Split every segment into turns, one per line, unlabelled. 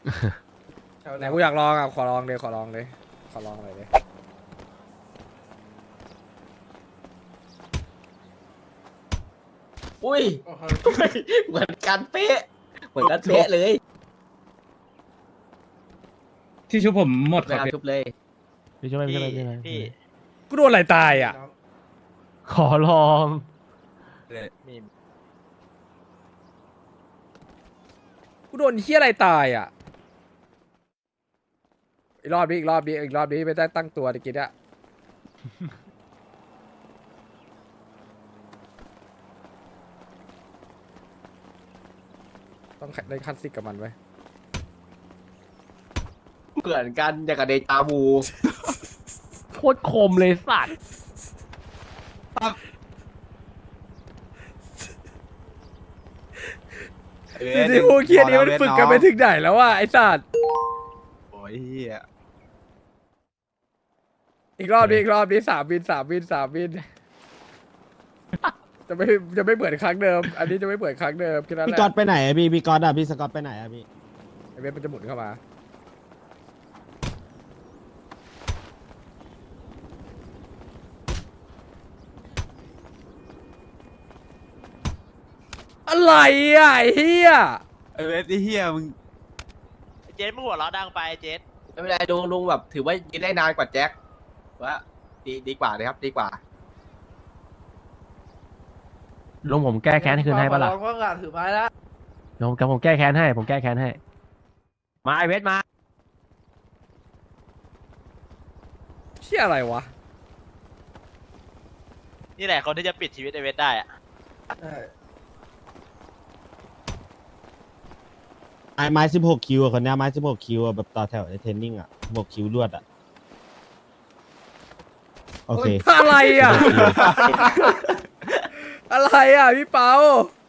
ไหนกูอยากลองอ่ะขอลองเลยขอลองเลยขอลองเลยเลย
อุ้ยเหมือนกันเป๊ะเหมือนกันเป๊ะเลย
ที่ชุบผมหมด
ไปเอาชุบเลย
พี่ช่วยพี่ช่วยพี่ช่วย
พี่
กูโดนอะไรตายอ่ะ
ขอลอง
มี
กูโดนเฮี้ยอะไรตายอ่ะอีกรอบนี้อีกรอบนี้อีกรอบนี้ไม่ได้ตั้งตัวตะกี้อ่ะต้องได้คันซิกกับมันไว้
เหมือนกันอย่างกับเดจาวู
โคตรคมเลยสัตว์
ที่พวกเคียนี้มันฝึกกันไปถึงไหนแล้ววะไอ้สัตว์
โอ้ยเหี้ย
อีกรอบนี้อีกรอบนี้3 วินจะไม่เหมือนครั้งเดิม อันนี้จะไม่เหมือนครั้งเดิมแค่นั้นแห
พี่
ละ
ก๊อตไปไหนอะพี่ก๊อตอะพี่สก๊อตไปไหนอะพี่
ไอเวฟมันจะหมุนเข้ามาอะไรอ่ะไอ้เฮีย
ไอเวสไอเหี้ยมึง
เจ๊มึงหัวเราะดังไปเจ๊
ไม่เป็นไรลุงแบบถือว่ายืนได้นานกว่าแจ็คว่าดีกว่าเลยครับดีกว่า
ลุงผมแก้แค้นคืนให้ปะล่ะ
ลองว่างานถือไม้แล้ว
ลุงกับผมแก้แค้นให้ผมแก้แค้นให้มาไอเวทมา
เชี่ยอะไรวะ
นี่แหละคนที่จะปิดชีวิตไอเวทได้อะ
ไม้16 คิวอะคนเนี้ยไม้16 คิวอะแบบต่อแถวในเทรนนิ่งอะ16 คิวรวดอะโอเค
อะไรอ่ะ อะไรอ่ะพี่เปา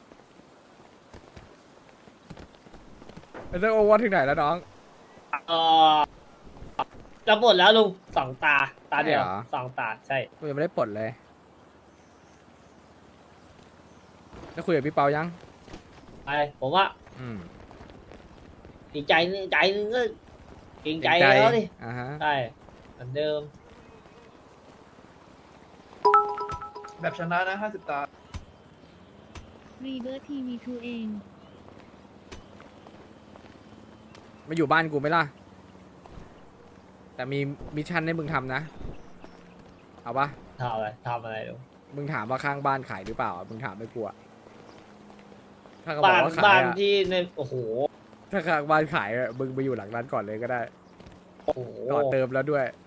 ไอ้เรื่องโอวันถึงไหนแล้วน้อง
จะหมดแล้วลุง2 ตาเดียว
ใช่เหรอ
2 ตาใช่
กูยังไม่ได้ปลดเลยได้คุยกับพี่เปายัง
ไปผมว่า
อืม
อีกใจนึงก็เกรงใจแล้วดิ
อ่าฮะ
ใช่เหมือนเดิม แบบชนะนะ50 ตา
รีเบอร์ทีวีทูเอง
มาอยู่บ้านกูไหมล่ะ แต่มีมิชชั่นให้มึงทำนะ เอาปะ
ทำอะไรลุง
มึงถามว่าข้างบ้านขายหรือเปล่า มึงถามไม่กลัว ถ้าเขาบอกว่าขาย
บ้าน
อะ
ที่ในโอ้โห
ถ้าข้างบ้านขายอะมึงไปอยู่หลังร้านก่อนเลยก็ได้
โอ้โห
ต่อเติมแล้วด้วย